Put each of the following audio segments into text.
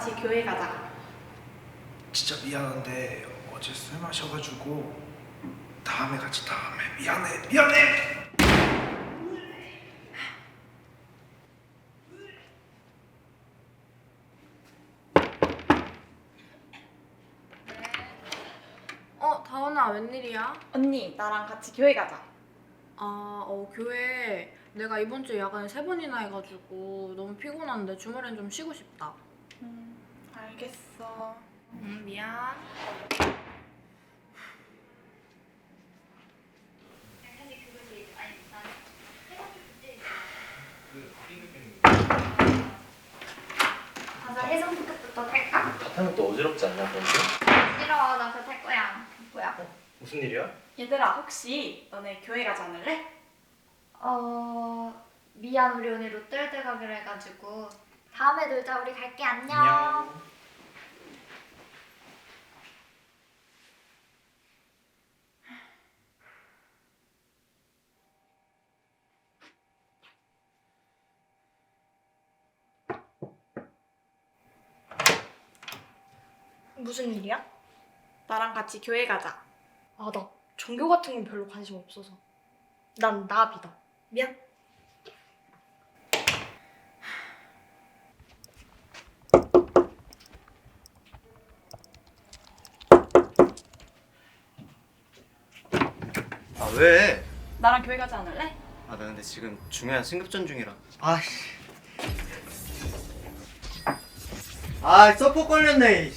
같이 교회 가자. 진짜 미안한데 어제 술 마셔가지고 다음에 같이 다음에 미안해. 다원아, 웬일이야? 언니, 나랑 같이 교회 가자. 교회 내가 이번 주에 야간에 3번이나 해가지고 너무 피곤한데 주말엔 좀 쉬고 싶다. 알겠어. 미안. 가서 해성 티켓부터 탈까? 타면 또 어지럽지 않냐, 그런데? 싫어, 나 그거 탈 거야. 뭐야? 무슨 일이야? 얘들아, 혹시 너네 교회 가지 않을래? 미안, 우리 오늘 롯데월드 가기로 해가지고. 다음에 놀자, 우리 갈게, 안녕. 무슨 일이야? 나랑 같이 교회 가자. 나 종교 같은 건 별로 관심 없어서. 난 나비다. 미안. 아, 왜? 나랑 교회 가지 않을래? 나 근데 지금 중요한 승급전 중이라. 아씨. 서포 걸렸네.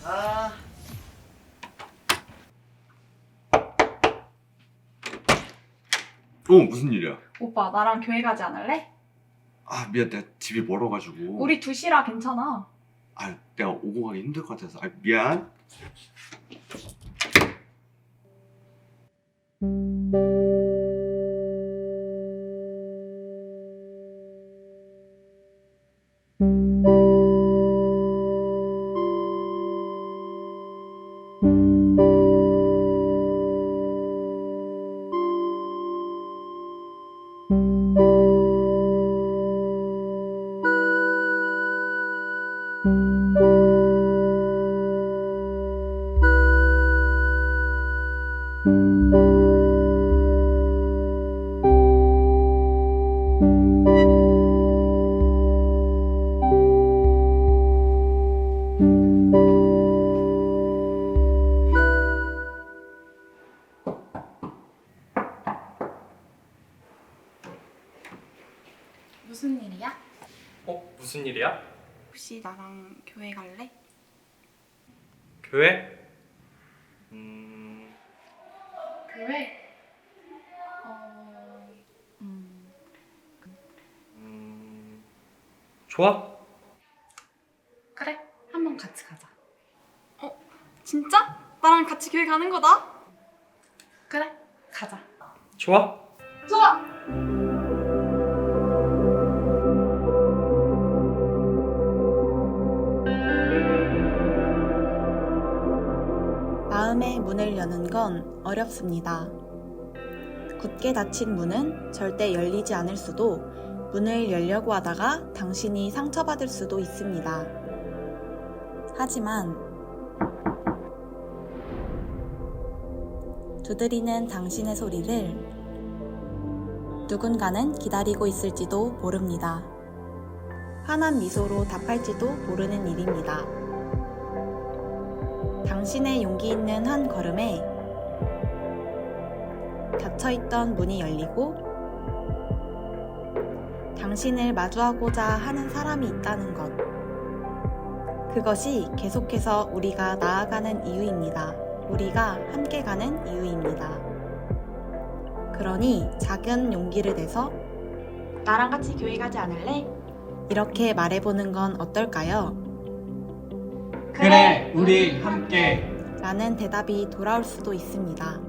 무슨 일이야? 오빠, 나랑 교회 가지 않을래? 미안, 내가 집이 멀어가지고. 우리 2시라 괜찮아. 내가 오고 가기 힘들 것 같아서. 미안. 무슨 일이야? 무슨 일이야? 혹시 나랑 교회 갈래? 교회? 교회? 좋아? 그래, 한번 같이 가자. 진짜? 나랑 같이 교회 가는 거다? 그래, 가자. 좋아? 좋아! 마음의 문을 여는 건 어렵습니다. 굳게 닫힌 문은 절대 열리지 않을 수도, 문을 열려고 하다가 당신이 상처받을 수도 있습니다. 하지만 두드리는 당신의 소리를 누군가는 기다리고 있을지도 모릅니다. 환한 미소로 답할지도 모르는 일입니다. 당신의 용기 있는 한 걸음에 닫혀있던 문이 열리고 당신을 마주하고자 하는 사람이 있다는 것. 그것이 계속해서 우리가 나아가는 이유입니다. 우리가 함께 가는 이유입니다. 그러니 작은 용기를 내서 나랑 같이 교회 가지 않을래? 이렇게 말해보는 건 어떨까요? 그래, 우리 함께. 라는 대답이 돌아올 수도 있습니다.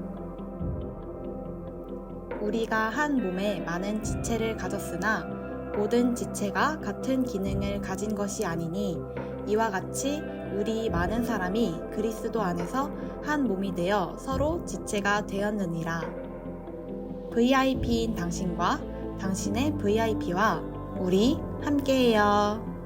우리가 한 몸에 많은 지체를 가졌으나 모든 지체가 같은 기능을 가진 것이 아니니 이와 같이 우리 많은 사람이 그리스도 안에서 한 몸이 되어 서로 지체가 되었느니라. VIP인 당신과 당신의 VIP와 우리 함께해요.